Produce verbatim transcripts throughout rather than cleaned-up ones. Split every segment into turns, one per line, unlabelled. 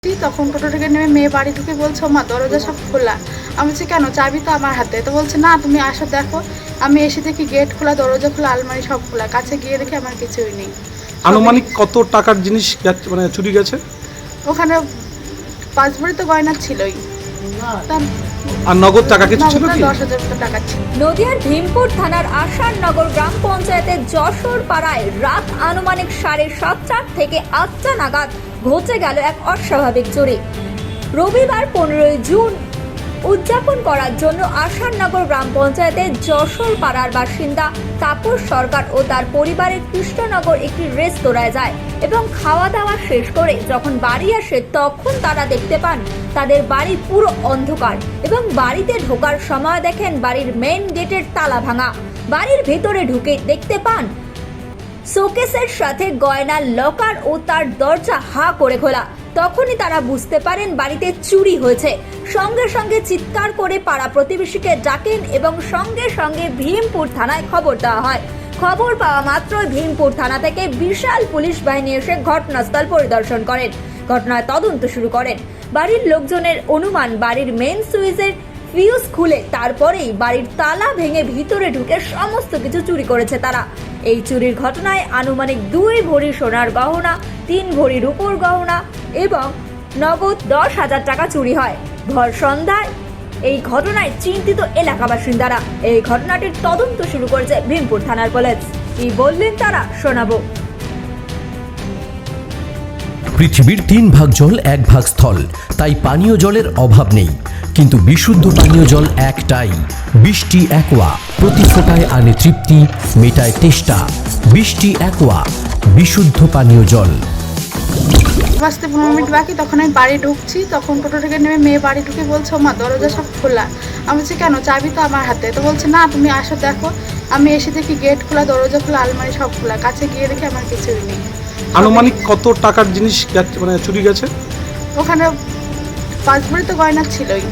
তখন টোটো থেকে নেমে মেয়ে বাড়ি ঢুকে বলছে মা দরজা সব খোলা। আমি বলছি কেন, চাবি তো আমার হাতে। তো বলছে না তুমি আসো দেখো। আমি এসে দেখি গেট খোলা, দরজা খোলা, আলমারি সব খোলা। কাছে গিয়ে দেখি আমার কিছুই নেই।
আনুমানিক কত টাকার জিনিস মানে চুরি গেছে?
ওখানে পাঁচ ভরি তো গয়না ছিলই,
আর নগদ টাকা কিছু ছিল কি?
দশ হাজার মতো টাকা ছিল।
নদিয়ার ভীমপুর থানার আসাননগর গ্রাম পঞ্চায়েতের যশোর পাড়ায় রাত আনুমানিক সাড়ে সাতটা থেকে আটটা নাগাদ ঘটে গেল এক অস্বাভাবিক চুরি। রবিবার পনেরোই জুন উদযাপন করার জন্য আসাননগর গ্রাম পঞ্চায়েতের যশোর পাড়ার বাসিন্দা তাপস সরকার ও তার পরিবারের কৃষ্ণনগর একটি রেস্তোরাঁয় যায় এবং খাওয়া দাওয়া শেষ করে যখন বাড়ি আসে তখন তারা দেখতে পান তাদের বাড়ি পুরো অন্ধকার এবং বাড়িতে ঢোকার সময় দেখেন বাড়ির মেইন গেটের তালা ভাঙা। বাড়ির ভেতরে ঢুকে দেখতে পান শোকেসের সাথে গয়নার লকার ও তার দরজা হা করে খোলা। তখনই তারা বুঝতে পারেন বাড়িতে চুরি হয়েছে। সঙ্গে সঙ্গে চিৎকার করে পাড়া প্রতিবেশীকে ডাকেন এবং সঙ্গে সঙ্গে ভীমপুর থানায় খবর দেওয়া হয়। খবর পাওয়া মাত্রই ভীমপুর থানা থেকে বিশাল পুলিশ বাহিনী এসে ঘটনাস্থল পরিদর্শন করেন, ঘটনার তদন্ত শুরু করেন। বাড়ির লোকজনের অনুমান বাড়ির মেইন সুইচের ফিউজ খুলে তারপরেই বাড়ির তালা ভেঙে ভিতরে ঢুকে সমস্ত কিছু চুরি করেছে তারা। এই চুরির ঘটনায় আনুমানিক দুই ভরি সোনার গহনা, তিন ভরি রূপোর গহনা এবং নগদ দশ হাজার টাকা চুরি হয়। ভর সন্ধ্যায় এই ঘটনায় চিন্তিত এলাকা বাসিন্দারা। এই ঘটনাটির তদন্ত শুরু করেছে ভীমপুর থানার পুলিশ। কি বললেন তারা শোনাবো।
পৃথিবীর তিন ভাগ জল এক ভাগ স্থল, তাই পানীয় জলের অভাব নেই। কিন্তু বিশুদ্ধ পানীয় জল একটাই, বৃষ্টি অ্যাকোয়া। প্রতি ফোঁটায় আনে তৃপ্তি, মেটায় তেষ্টা। বৃষ্টি অ্যাকোয়া, বিশুদ্ধ পানীয় জল।
বাঁচতে পনেরো মিনিট বাকি, তখন আমি বাড়ি ঢুকছি। তখন টোটো থেকে নেমে মেয়ে বাড়ি ঢুকে বলছে মা দরজা সব খোলা। আমি বলছি কেন, চাবি তো আমার হাতে। তো বলছে না তুমি আসো দেখো। আমি এসে দেখি গেট খোলা, দরজা খোলা, আলমারি সব খোলা। কাছে গিয়ে দেখি আমার কিছুই নেই।
আনুমানিক কত টাকার জিনিস মানে চুরি গেছে?
ওখানে পাঁচ ভরি তো গয়না ছিলই,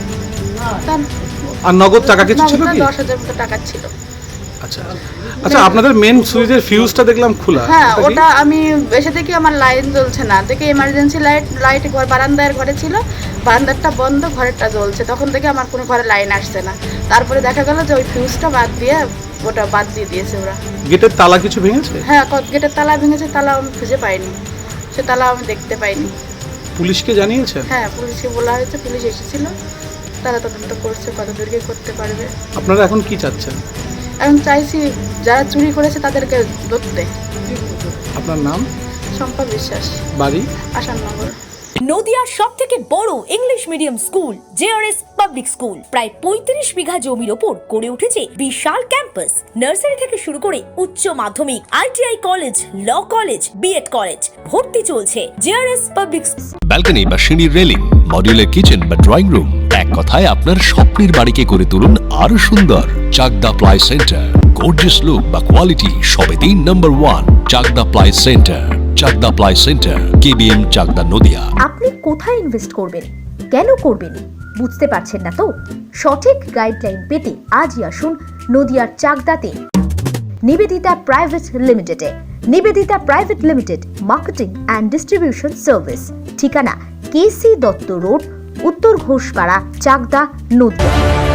আর নগদ টাকা কিছু ছিল কি?
দশ হাজার মতো টাকা ছিল।
আচ্ছা আচ্ছা, আপনাদের মেন সুইচের ফিউজটা দেখলাম খোলা।
হ্যাঁ, ওটা আমি এসে দেখি আমার লাইন জ্বলছে না। দেখি এমার্জেন্সি লাইট লাইট ঘর বারান্দার ঘরে ছিল, বারান্দারটা বন্ধ, ঘরেরটা জ্বলছে। তখন থেকে আমার কোনো ঘরে লাইন আসছে না। তারপরে দেখা গেল যে ওই ফিউজটা বাদ দিয়ে ওটা বাদ দিয়ে দিয়েছে ওরা।
গেটের তালা কিছু ভেঙেছে?
হ্যাঁ, গেটের তালা ভেঙেছে। তালা আমি খুঁজে পাইনি, সে তালা আমি দেখতে পাইনি।
পুলিশকে জানিয়েছেন?
হ্যাঁ, পুলিশকে বলা হয়েছে, পুলিশ এসেছিল, তারা তদন্ত করছে, কত দূরকে করতে পারবে।
আপনারা এখন কি চাচ্ছেন?
এখন চাইছি যারা চুরি করেছে তাদেরকে ধরতে।
আপনার নাম?
শম্পা বিশ্বাস,
বাড়ি?
আসাননগর।
নদিয়ার সব থেকে বড় English medium school JRS public school প্রায় পঁয়ত্রিশ বিঘা জমির ওপর গড়ে উঠেছে বিশাল ক্যাম্পাস। নার্সারি থেকে শুরু করে উচ্চ মাধ্যমিক, ITI college, law college, BEd college, ভর্তি চলছে জেআরএস পাবলিক।
ব্যালকনি বা সিঁড়ির রেলিং, মডিউলার কিচেন বা ড্রয়িং রুম, এক কথায় আপনার স্বপ্নের বাড়িকে করে তুলুন আরো সুন্দর। Chakdah ply centre, gorgeous look বা কোয়ালিটি সবে তিন number one. Chakdah ply centre, Chakdah ply centre, KBM, Chakdah, Nadia.
আপনি কোথায় ইনভেস্ট করবেন, কেন করবেন বুঝতে পারছেন না তো? সঠিক গাইডলাইন পেতে আজই আসুন নদিয়ার চাকদাতে নিবেদিতা প্রাইভেট লিমিটেডে। Nivedita private limited marketing and distribution service. ঠিকানা KC Dutta road, Uttar Ghoshpara, Chakdah, Nadia.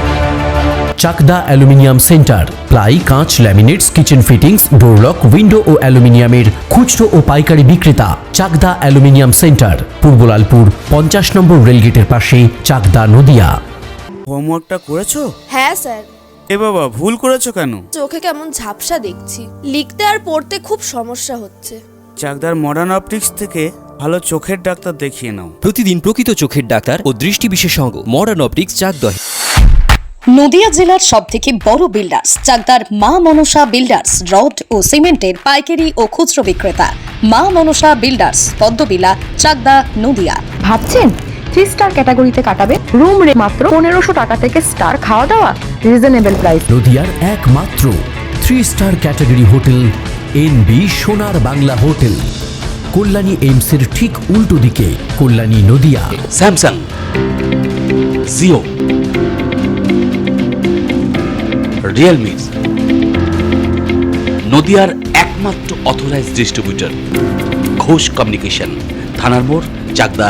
Chakdah aluminium centre, ply, কাঁচ, laminates, kitchen fittings, door lock, window ও অ্যালুমিনিয়ামের খুচরো ও পাইকারি বিক্রেতা। চাকদা অ্যালুমিনিয়াম সেন্টার, পূর্বলালপুর, পঞ্চাশ নম্বর রেলগেটের পাশে, চাকদা, নদিয়া।
হোমওয়ার্কটা করেছো?
হ্যাঁ স্যার।
এ বাবা, ভুল করেছো কেন?
চোখে কেমন ঝাপসা দেখছি, লিখতে আর পড়তে খুব সমস্যা হচ্ছে।
চাকদার মডার্ন অপটিক্স থেকে ভালো চোখের ডাক্তার দেখিয়ে নাও।
প্রতিদিন প্রকৃত চোখের ডাক্তার ও দৃষ্টি বিশেষজ্ঞ মডার্ন অপটিক্স, চাকদা।
নদিয়া জেলার সব থেকে বড় বিল্ডার্স চাকদার মা মনসা বিল্ডার্স, রড ও সিমেন্টের পাইকারি ও খুচরো বিক্রেতা। মা মনসা বিল্ডার্স, পদ্মবিলা, চাকদা, নদিয়া।
ভাবছেন থ্রি স্টার ক্যাটাগরিতে কাটাবে? রুম রে মাত্র পনেরোশো টাকা থেকে স্টার, খাওয়া দাওয়া রিজনেবল প্রাইস।
নদিয়ার একমাত্র three star category hotel N B Sonar Bangla hotel, Kalyani এইমসের ঠিক উল্টো দিকে, Kalyani, Nadia.
Samsung, Jio, Realme, নদিয়ার একমাত্র অথরাইজড ডিস্ট্রিবিউটর ঘোষ কমিউনিকেশন, থানার মোড়, চাকদা,